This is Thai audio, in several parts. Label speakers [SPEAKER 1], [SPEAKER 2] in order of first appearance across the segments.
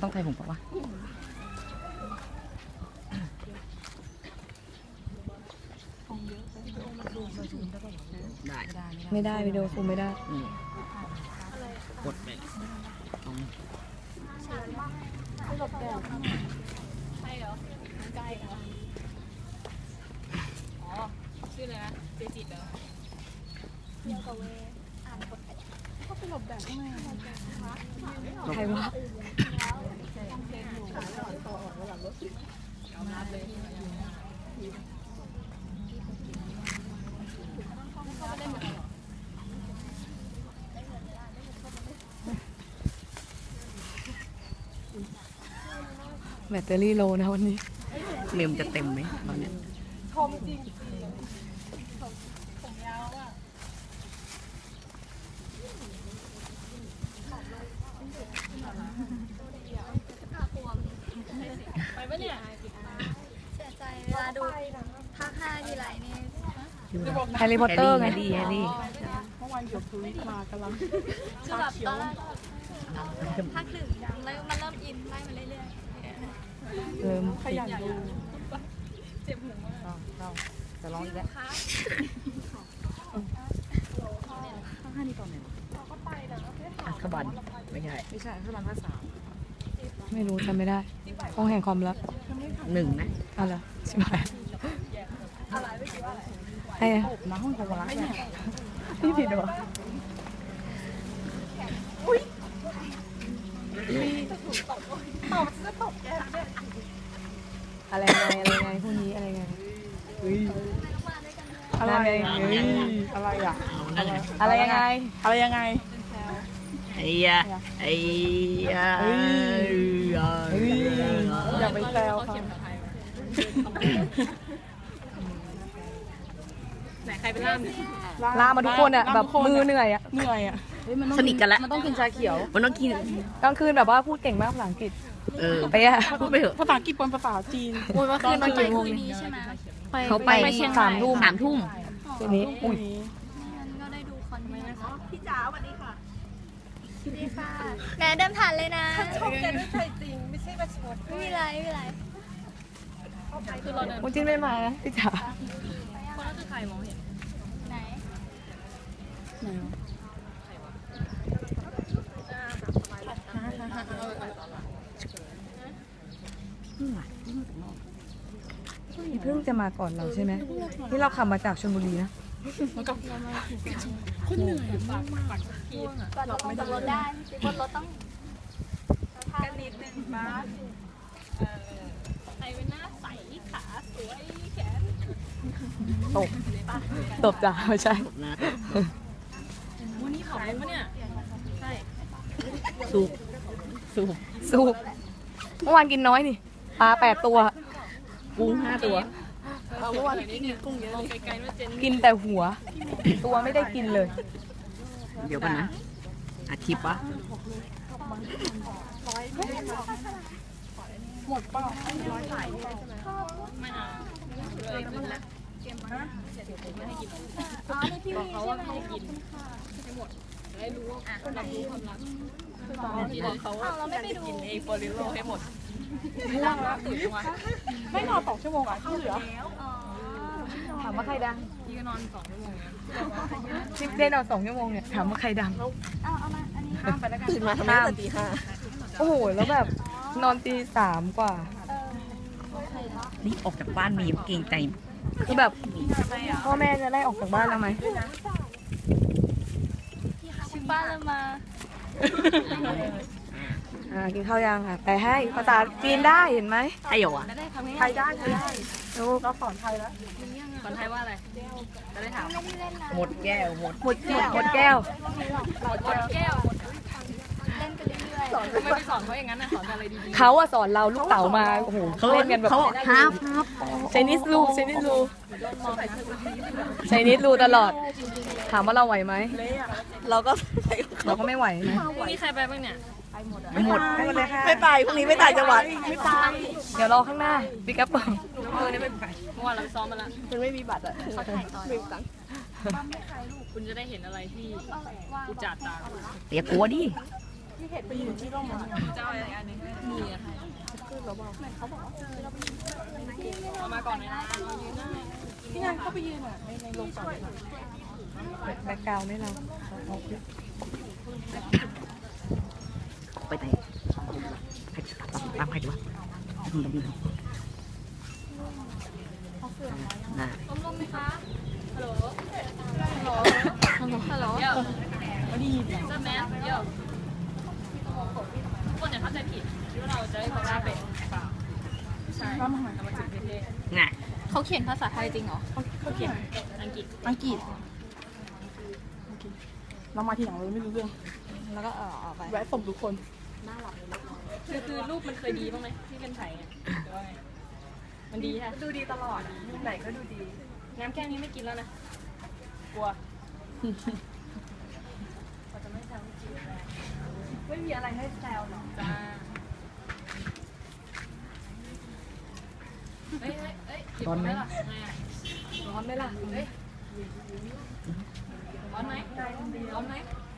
[SPEAKER 1] ต้องใส่ผมปะวะไม่ได้วิดีโอคุมไม่ได้กดไป
[SPEAKER 2] ชื่ออะไรนะเจจิตเหรอเดียวกับเวอ่านกดเขาไปหลบแดดข้างใน
[SPEAKER 1] ใครวะแบตเตอรี่โลนะวันนี้เมมจะเต็มไหมตอนนี้
[SPEAKER 2] คมจริงผมยาวอ่ะไปปะเนี่ย
[SPEAKER 3] เสียใจเวลาดูภาค5ทีไรนี่
[SPEAKER 1] แฮร์รี่พอตเตอร์ไงดีแฮร์รี่
[SPEAKER 2] เมื่อวานหยดทวิตมากำลัง
[SPEAKER 3] คือแบบตอนแรกภาค1แล้วมันเริ่มอินไล่มาเรื่อยๆ
[SPEAKER 1] เริ่ม
[SPEAKER 2] ขยันดูเจ็บหูมาก
[SPEAKER 1] เราจะร้องอีกแล้วอัคบันไม่ใช่อัคบันภาษาไม่รู้จำไม่ได้ห้องแห่งความลับ1นะอะไรใช่ไหมไอ้น้าห้องความลับเนี่ยพี่ผิดเหรออะไรไงพวกนี้อะไรไงอะไรอ่ะอะไรยังไงไอ้ยะ
[SPEAKER 2] อย่าไปแซวค่ะไหนใครเป็น
[SPEAKER 1] ล่ามาทุกคนอ่ะแบบมือเหนื่อยอ่ะสนิทกันแล้วมันต้องกินชาเขียวมันต้องกินกลางคืนแบบว่าพูดเก่งมากภาษาอังกฤษไปอ่ะพูดไปเถอะ
[SPEAKER 2] ภาษาอังกฤษปนภาษาจีน
[SPEAKER 3] เมื่อคืนตอนกี่โมงนี้ใช่ไหม
[SPEAKER 1] เขาไป3 ทุ่มทีนี้อุ้ย
[SPEAKER 3] งั้นก็ได้ดูคอนเทนต์พี่จ๋าสวัสดีค่ะสวัสดีค่ะแม่เดินผ่านเลยนะ
[SPEAKER 2] ชมแกด้วยใจจริงไม่ใช่ประชด
[SPEAKER 3] ไม่มีไร
[SPEAKER 2] คือเราเดิน
[SPEAKER 1] คุณจินไม่มานะพี่จ๋า
[SPEAKER 2] คนนั้นคือใครมองเห็น
[SPEAKER 3] ไหน
[SPEAKER 1] พี่เพิ่งจะมาก่อนเราใช่ไหมที่เราขับมาจากชลบุรีนะ
[SPEAKER 2] คนเหนื่อยปาก
[SPEAKER 3] เราไม่ต้องรถได้บนรถต้อง
[SPEAKER 2] กันนิดนึงบ้างใครเป็นหน้าใสขาสวยแขน
[SPEAKER 1] ตบจ้าไม่ใช่
[SPEAKER 2] วันนี้เขาเป็นปะเนี่ยใช่
[SPEAKER 1] สูบเมื่อวานกินน้อยนี่ปลา8 ตัวกุ้ง5 ตัว
[SPEAKER 2] เมื่อวานกินกุ้งเยอะเลยไกลๆว่าเจน
[SPEAKER 1] กินแต่หัวตัวไม่ได้กินเลยเดี๋ยวกันนะอาทิตย์ปะ
[SPEAKER 2] หมดเปล่าไม่เอาเลยเกมมาไม่ให้กินบอกเขาว่าไม่ให้กินให้หมดได้รู้ว่ารับรู้ความรักทีนั้นเขาจะกินเองโปลิโลให้หมดไม่นั่งแล้วตื่นมาไม่นอน2 ชั่วโมงอ่ะที่เหลือ
[SPEAKER 1] ถามว่าใครดัง
[SPEAKER 2] พี่ก็นอน2 ชั่วโมง
[SPEAKER 1] ชิปได้นอน2 ชั่วโมงเนี่ยถามว่าใครดัง
[SPEAKER 3] เอามาอันนี้
[SPEAKER 1] ตื่นมาทำงานตี 5โอ้โหแล้วแบบนอนตี 3 กว่านี่ออกจากบ้านมีเกรงใจคือแบบพ่อแม่จะไล่ออกจากบ้านแล้วไหม
[SPEAKER 3] ชิบ้านเรามา
[SPEAKER 1] กินข้าวยังค่ะไปให้ภาษาจีนได้เห็นไหมไทยเหรอ
[SPEAKER 2] ไทยได้
[SPEAKER 1] เรา
[SPEAKER 2] สอนไทยแล้วสอนไทยว่าอะไรจะได้ถาม
[SPEAKER 1] หมดแก้ว
[SPEAKER 3] เล่นกันเรื่อย
[SPEAKER 2] ๆไม่ไปสอนเขาอย่างนั้นนะสอนอะไรดี
[SPEAKER 1] ๆเขาอะสอนเราลูกเต๋ามาโอ้โหเขาเล่นกันแบบฮับใช้นิสลูตลอดถามว่าเราไหวไหมเราก็ไม่ไหวนะ
[SPEAKER 2] พรุ่งนี้ใครไปบ้างเนี่ย
[SPEAKER 1] ไม่หมดเลยค่ะ
[SPEAKER 4] ไม่ไปพรุ่งนี้ไม่ต่างจังหวัด
[SPEAKER 2] ไม่ไป
[SPEAKER 1] เดี๋ยวรอข้างหน้าบิ๊กอัพเปิล
[SPEAKER 2] นี่ไม่ไปเมื่อวานเราซ้อมมาแล้ว
[SPEAKER 4] มันไม่มีบัตรอ่ะ
[SPEAKER 3] เขาถ่ายตอน
[SPEAKER 2] คุณจะได้เห็นอะไรที่อุจจาระตา
[SPEAKER 1] อย่ากลัวดิ
[SPEAKER 4] ไปยืนที่ร่มอ่ะ
[SPEAKER 2] เจ้าอะไรอันนึงมีอะค่ะ
[SPEAKER 4] ขึ้นแล้วบอก
[SPEAKER 2] เอามาก่อนเลยนะยืนได้
[SPEAKER 4] พี่นางเข้าไปยืนอ่ะในโรงจอดรถ
[SPEAKER 1] แบ็คกราวด์ไม่เราไปไหนตามใครดีวะทำดีนะ
[SPEAKER 2] ต้มลมไหมคะฮัลโหลฮัลโหลเดี๋ยว
[SPEAKER 4] ก็ดี
[SPEAKER 2] เจ้าแมสเดี๋ยวทุกคนอย่าเข้าใจผิดที่ว่าเราจะได้ความเป็นเปล่าใช่เรามาจากประเทศ
[SPEAKER 1] น่ะ
[SPEAKER 3] เขาเขียนภาษาไทยจริงเหรอ
[SPEAKER 4] เขาเขียน
[SPEAKER 2] อังกฤษ
[SPEAKER 4] อังกฤษเรามาทีหลังเราไม่รู้เรื่อง
[SPEAKER 3] แล้วก็ออกไป
[SPEAKER 4] แวะส่งทุกคน
[SPEAKER 2] คือรูปมันเคยดีบ้างไหมที่เป็นไทยเนี่ยหรือว่าไงมันดีค่ะ
[SPEAKER 1] ดูดีตลอดรูปไหนก็ดูดี
[SPEAKER 2] น้ำแก้วนี้ไม่กินแล้วนะกลัว
[SPEAKER 1] ไม่มีอะไรให้แซวหรอก
[SPEAKER 2] จ้าเฮ้ยร้อนไหมล่ะ
[SPEAKER 1] ร้อนไหมล่ะ
[SPEAKER 2] ร้อนไหมร้อนไหม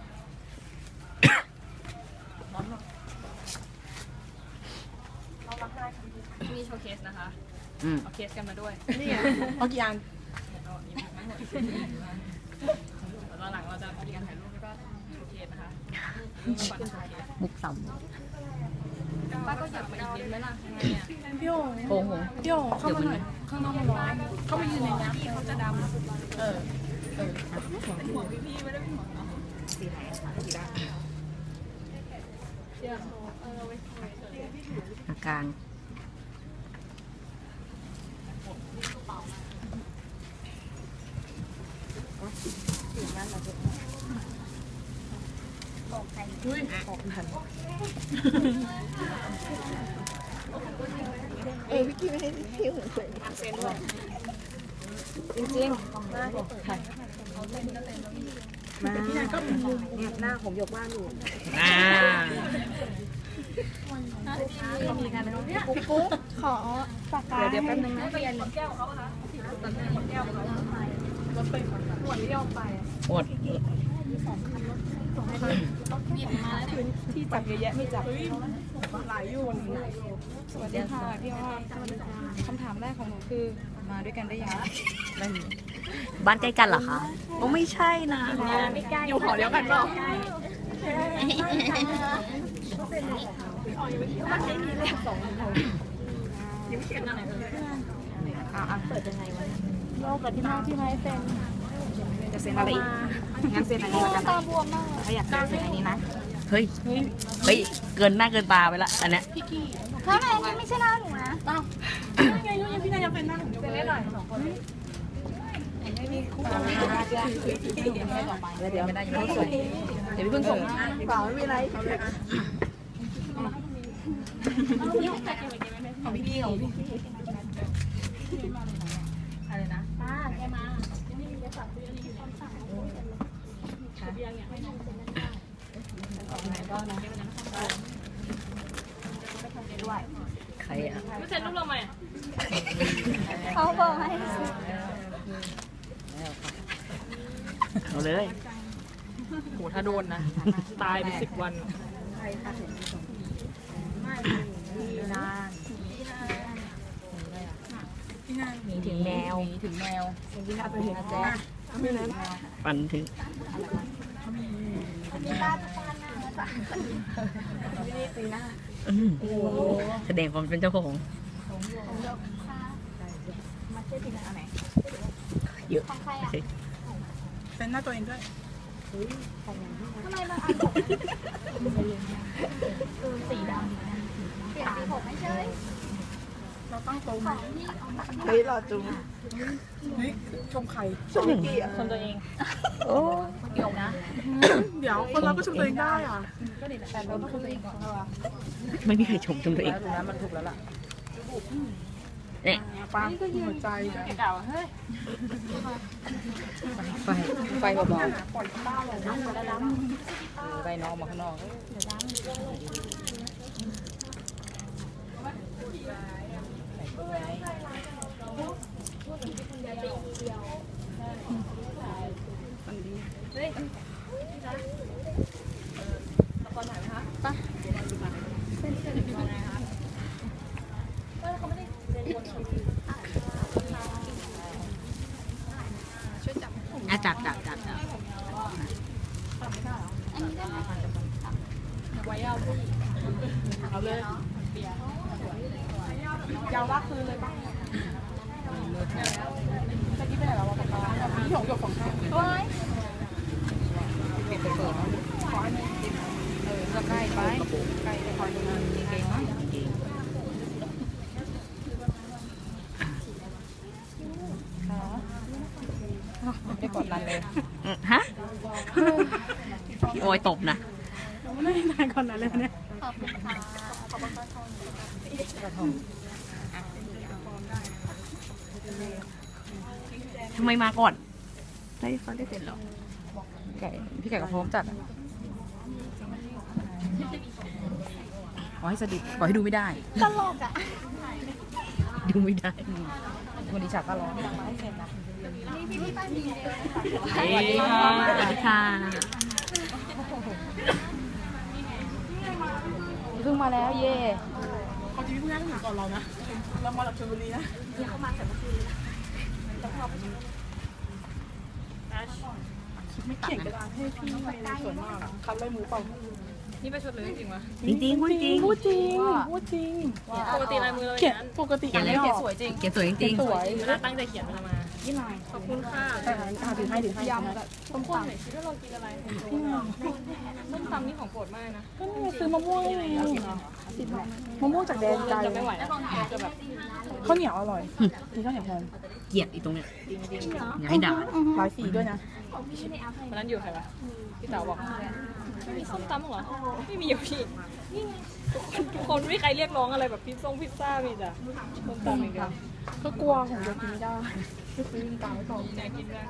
[SPEAKER 2] มีโชว์เคสนะคะ เอาเคสกันมาด้วย
[SPEAKER 4] นี่ไงเอากี่อัน
[SPEAKER 2] ตอนหลังเราจะมีการถ่ายรูปแล้วก็โชว์เคสนะคะก่อนโชว์เคส
[SPEAKER 1] มุกสัม
[SPEAKER 2] ป้าก็อยากมาอีกนิดไหมล่ะยังไงอ่ะ
[SPEAKER 4] พี่โอ่ง
[SPEAKER 1] โอ้โห
[SPEAKER 4] พี่โอ่งเข้ามาหน่อยข้างนอกมันร้อนเข้ามายืนในน้ำ
[SPEAKER 2] พี่เขาจะดำ
[SPEAKER 4] เออ
[SPEAKER 2] ห่วงพี่ไม่ได้เป็นห่วงเนาะสีไหนสีดำเชื่อ
[SPEAKER 1] อาการ
[SPEAKER 4] อุ้ยออกทันพี่กี้ไม่ให้พี่หุ่นสวย
[SPEAKER 2] เซนด้วย
[SPEAKER 1] จริงๆถ่ายมาพี่นายก็เนี่ยหน้าผมยกบ้านอยู่
[SPEAKER 3] ปุ๊บขอปากกา
[SPEAKER 1] เดี๋ยวแป๊บนึงนะ
[SPEAKER 2] เปลี่ยนแก้วเขาค่ะตัดแก้วเขา
[SPEAKER 1] หมด
[SPEAKER 4] ที่จับเยอะแยะไม่จับหลายอยู่
[SPEAKER 1] สวัสดีค่ะพี่อ้อมคำถามแรกของหนูคือมาด้วยกันได้ยังไม่มีบ้านใกล้กันเหรอคะโอ้ไม่ใช่นะ
[SPEAKER 4] อยู่หอเดียวกันเปล่า
[SPEAKER 1] เปิดยังไงวะ
[SPEAKER 3] โลกกับที่น้องที่ไม้เซ็น
[SPEAKER 1] จะเซ็นอะไรอีกงั้นเซ็นอันนี้แล้วกัน
[SPEAKER 3] ตาบวมมาก
[SPEAKER 1] ถ้าอยากเซ็นอันนี้นะเฮ้ยเกินหน้าเกินตาไปละอันเนี้ย
[SPEAKER 3] ถ้าไหนนี่ไม่ใช่หน้าหนูนะ
[SPEAKER 4] ไงยังพี่นายยังเป็นนั่งเซ็นได้หน่อย2 คน
[SPEAKER 1] เดี๋ยวไม่ได้ยังไม่ส่งเดี๋ยวพี่เพิ่งส่ง
[SPEAKER 4] เปล่าไม่มีไร
[SPEAKER 1] ของพี่ของพี่อะไรนะ ใครอ่ะ
[SPEAKER 2] ไม่เซ็นรูปเราไหม
[SPEAKER 3] เขาบอกให้
[SPEAKER 1] เอาเลย
[SPEAKER 2] โหถ้าโดนนะ ตายไป10 วัน
[SPEAKER 1] มีถึงแมว
[SPEAKER 2] ถึงแมว
[SPEAKER 4] พี่นายไปเห็นนะแจ๊ไม่นั้น
[SPEAKER 1] ปันถึง แสดงความเป็นเจ้าของเยอะ
[SPEAKER 3] ของใครอ่ะ
[SPEAKER 4] เซ็นหน้าตัวเองด้วย
[SPEAKER 3] ทำไมมันสีดำเปลี่ยนสีผมไม่ใช่
[SPEAKER 4] เราตั้งโต๊ะ
[SPEAKER 3] ของที่
[SPEAKER 4] เฮ้ยรอจุงเฮ้ยชมใครชมกี้อ่ะ
[SPEAKER 2] คนตัวเอง
[SPEAKER 1] โอ้
[SPEAKER 2] เกี่ยวนะ
[SPEAKER 4] เดี๋ยวคนเราก็ชมตัวเองได้อ่ะ
[SPEAKER 2] แต่เราต้องคนตัวเองก่อน
[SPEAKER 1] ไม่มีใครชมตัวเอง
[SPEAKER 2] ตรงนั้นมันถูกแล้วล่ะ
[SPEAKER 1] เนี่ย
[SPEAKER 4] ป้าหัวใจ
[SPEAKER 2] เก่าเฮ้ย
[SPEAKER 1] ไฟเบา
[SPEAKER 4] ปล่อยต้าเลยนะ
[SPEAKER 1] ๆไปน้องมาข้างนอก
[SPEAKER 2] ละครถ่ายไหมคะ
[SPEAKER 4] เอาเลยยาวลากคืนเลยป่ะตะกี้ไปไหนแล้ววะปากกาพี่หงหยกของข้าง
[SPEAKER 1] ก็ใกล้ไปใกล้ไปคอยดูเก่งๆมั้งไม่ได้กดดันเลยฮะพี่โอยตบนะ
[SPEAKER 4] ไม่ได้นานก่อนนั้นเลยเนี่ย
[SPEAKER 3] ขอบคุณค่ะ
[SPEAKER 1] ทำไมมาก่อนได้เขาได้เสร็จหรอไก่พี่ไก่กับพร้อมจัดขอให้สะดุดขอให้ดูไม่ได้
[SPEAKER 3] ตลกอ่ะ
[SPEAKER 1] ดูไม่ได้วันนี้ฉากก็ร้อง
[SPEAKER 3] พี่ป้าดีเลย
[SPEAKER 1] สวัสดีค่ะสวัสดีค่ะเพิ่งมาแล้วเย่
[SPEAKER 4] เขาจะวิ่งแรกถึงก่อนเรานะเรามาจากชลบุรีนะไม่เขียนกระดาษให้พี่สวยมากคัดลายมือเปล่า
[SPEAKER 2] นี่ไปชดเลยจริงวะ
[SPEAKER 1] จริงพูดจริง
[SPEAKER 4] พูดจริงพูดจริง
[SPEAKER 2] ปกติลายมือเรา
[SPEAKER 4] เขียน
[SPEAKER 2] นั้น
[SPEAKER 4] ปกติ
[SPEAKER 1] เขียนเลยเขียนสวยจริงเขียนสวยจริง
[SPEAKER 4] สวย
[SPEAKER 2] เวลาตั้งใจเขียนเวลามา
[SPEAKER 4] ยี่ลาย
[SPEAKER 2] ขอบคุณค่ะ
[SPEAKER 4] ถือให้ยำ
[SPEAKER 2] ต้มคนหน่อยคิดว่าเรากินอะไรต้มตำนี่ของโปรดมากนะ
[SPEAKER 4] ก็นี่ซื้อมะม่วงไงมะม่วงจากแดนไกล
[SPEAKER 2] จะไม่ไหวแล้วจะแบบ
[SPEAKER 4] ข้าวเหนียวอร่อยมีข้าวเหนียวแทน
[SPEAKER 1] เกลียดอีตรงเนี้ยอย่าให้ด่า
[SPEAKER 4] ร้อยสีด้วยนะ
[SPEAKER 2] วันนั้นอยู่ใครวะพี่เต๋าบอกไม่มีส้มตำหรอไม่มีอยู่พี่ทุกคนไม่มีใครเรียกร้องอะไรแบบพิซซ่ามีแต่ส้มตำอย่างเดียว
[SPEAKER 4] ก็กลัวผมจะกินไม่ได้ก็ซื้อตามไว้ก่อน
[SPEAKER 2] อยากกินด้วย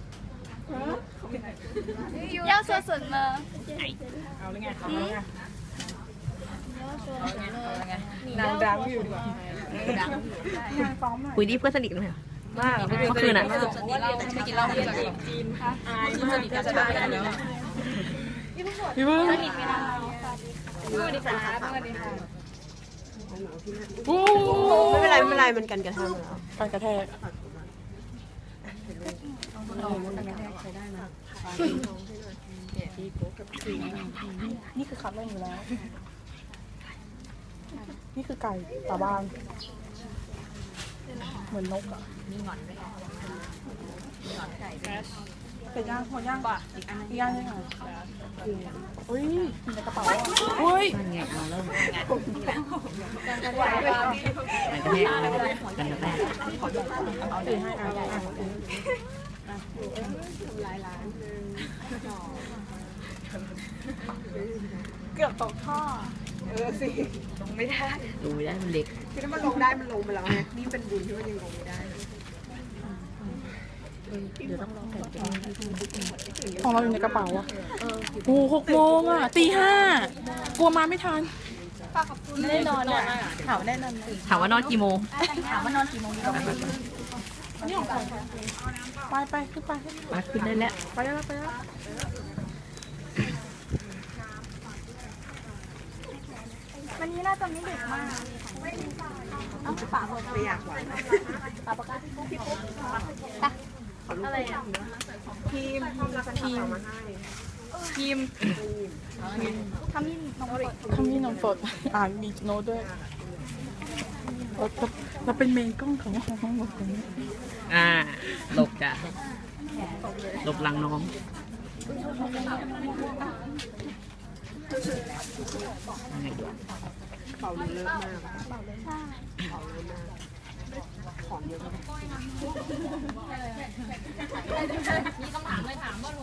[SPEAKER 3] ยาวสุดๆเลย
[SPEAKER 2] เอาเลยไง
[SPEAKER 4] นางดังอยู่ดีกว่า
[SPEAKER 1] คุยดีเพื่อนสนิทกันไหมมากเมื่อคืนอ่ะ
[SPEAKER 2] ไม่กินเหล้าเรียนจีนค่ะอายมากสนิทกันจะได้กันแล้ว
[SPEAKER 4] พี่เบิ้ง
[SPEAKER 2] สวัสดีค่ะสวัสดีค่ะ
[SPEAKER 4] โอ้
[SPEAKER 5] ไม่เป็นไรไม่เป็นไรมันกันกระทำแล้ว
[SPEAKER 4] การกระแทกนี่คือคัดเล่นอยู่แล้ว นี่คือไก่ตาบางเหมือนนกอ่ะเป็ดย่างหัวย่างป่ะอีกย่างได้ไงอุ้ยอยู่ในกระเป๋าอุ้ย
[SPEAKER 1] นั่นไงเอาแล้วกันกระแทกกันกระแทก
[SPEAKER 4] เอาถือให้เกือบตกท่อสิ
[SPEAKER 1] ดูไม่ได้มันเล็ก
[SPEAKER 5] คือถ้ามันลงได้มันลงไปแล้วไงนี่เป็นบุญที่มันยังลงไม่ได้
[SPEAKER 4] ของเราอยู่ในกระเป๋าอ่ะโอ้6 โมงอ่ะตี 5กลัวมาไม่ทัน
[SPEAKER 3] ไม่ได้นอนอ่ะ
[SPEAKER 4] ถามแน่นอน
[SPEAKER 1] ถามว่านอนกี่โมง
[SPEAKER 3] ถามว่านอนกี่โมงดีกว่า
[SPEAKER 4] นี่ของใครไปขึ้นไป
[SPEAKER 1] มาขึ้นได้แล้ว
[SPEAKER 4] ไปแล้ว
[SPEAKER 3] วันนี้น่าจะไม่ดึกมากเอาฝากหมด
[SPEAKER 5] ไม่อยากหวาน
[SPEAKER 3] ฝากปากกาพี่ปุ๊บอะไรอ่ะ
[SPEAKER 5] ทีมมาให้
[SPEAKER 2] ทีม
[SPEAKER 3] ทำนี่น้องกด
[SPEAKER 4] ทำนี่นมสดมีโน้ตด้วยเราเป็นเมนกล้องของห้องหมดเลย
[SPEAKER 1] หลบจ้ะหลบหลังน้องยังไงดี
[SPEAKER 5] เป่าเยอะมาก
[SPEAKER 2] มีคำถามเลยถามว่าโห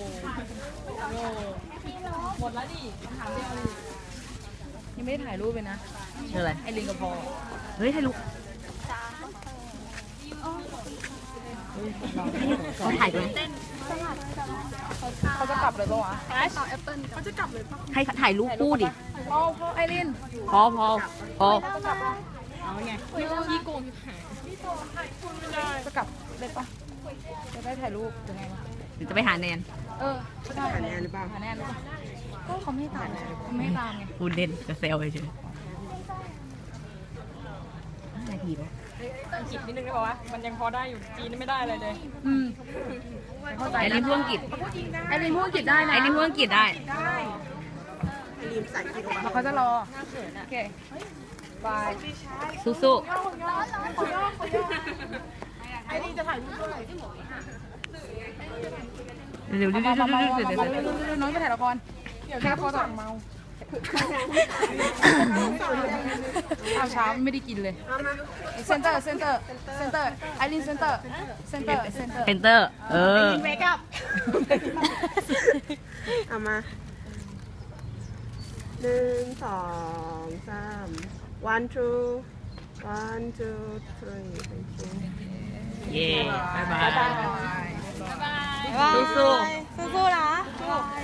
[SPEAKER 2] หมดแล้วดิคำถามเดียวเลย
[SPEAKER 1] ยังไม่ได้ถ่ายรูปเลยนะเจออะไรไอลิงกับพอเฮ้ยถ่ายรูปเขาถ่ายกัน
[SPEAKER 4] เขาจะกลับเลยปะวะ
[SPEAKER 5] เขาจะกลับเลยป่ะ
[SPEAKER 1] ให้ถ่ายรูปคู่ดิ
[SPEAKER 4] พ่อไอริน
[SPEAKER 1] พอ
[SPEAKER 2] เอาไงพี่โกง
[SPEAKER 4] จะกลับเลยปะจะได้ถ่ายรูปยังไงวะ
[SPEAKER 1] หรือจะไปหาแนน
[SPEAKER 4] ก็ได้
[SPEAKER 5] หาแนนหรือเปล่า
[SPEAKER 4] หาแน่เลยก็เขาไม่ตามเขาไม่ตามไง
[SPEAKER 1] พูดเล่นจะเซลเฉยนาทีปะ
[SPEAKER 2] อังกฤษนิดนึงได้ป่าวะมันยังพอได้อยู่จีนไม่ได้เลยเลย
[SPEAKER 1] ไอรินพูดอังกฤษ
[SPEAKER 4] ไอรินพูดอังกฤษได้นะ
[SPEAKER 1] ไอรินพูดอังกฤษได้
[SPEAKER 5] รีมใส่กิน
[SPEAKER 4] แล้วเขาจะรอโอเคบาย
[SPEAKER 1] สู้
[SPEAKER 4] ไอ้นี่จะถ่ายรูปด้วย
[SPEAKER 1] ๆเร็วๆ
[SPEAKER 4] น้องไปถ่ายละครเดี๋ยวแค่พอสั่งเมาข้าวเช้าไม่ได้กินเลยเซนเตอร์ไอรินเซนเตอร์
[SPEAKER 1] เพนเตอร์
[SPEAKER 4] เมคอัพ
[SPEAKER 5] เอามา1 2 3 one two 3 thank you
[SPEAKER 1] เย้บายบาย
[SPEAKER 4] สู้
[SPEAKER 1] สู้ๆ
[SPEAKER 4] ๆนะ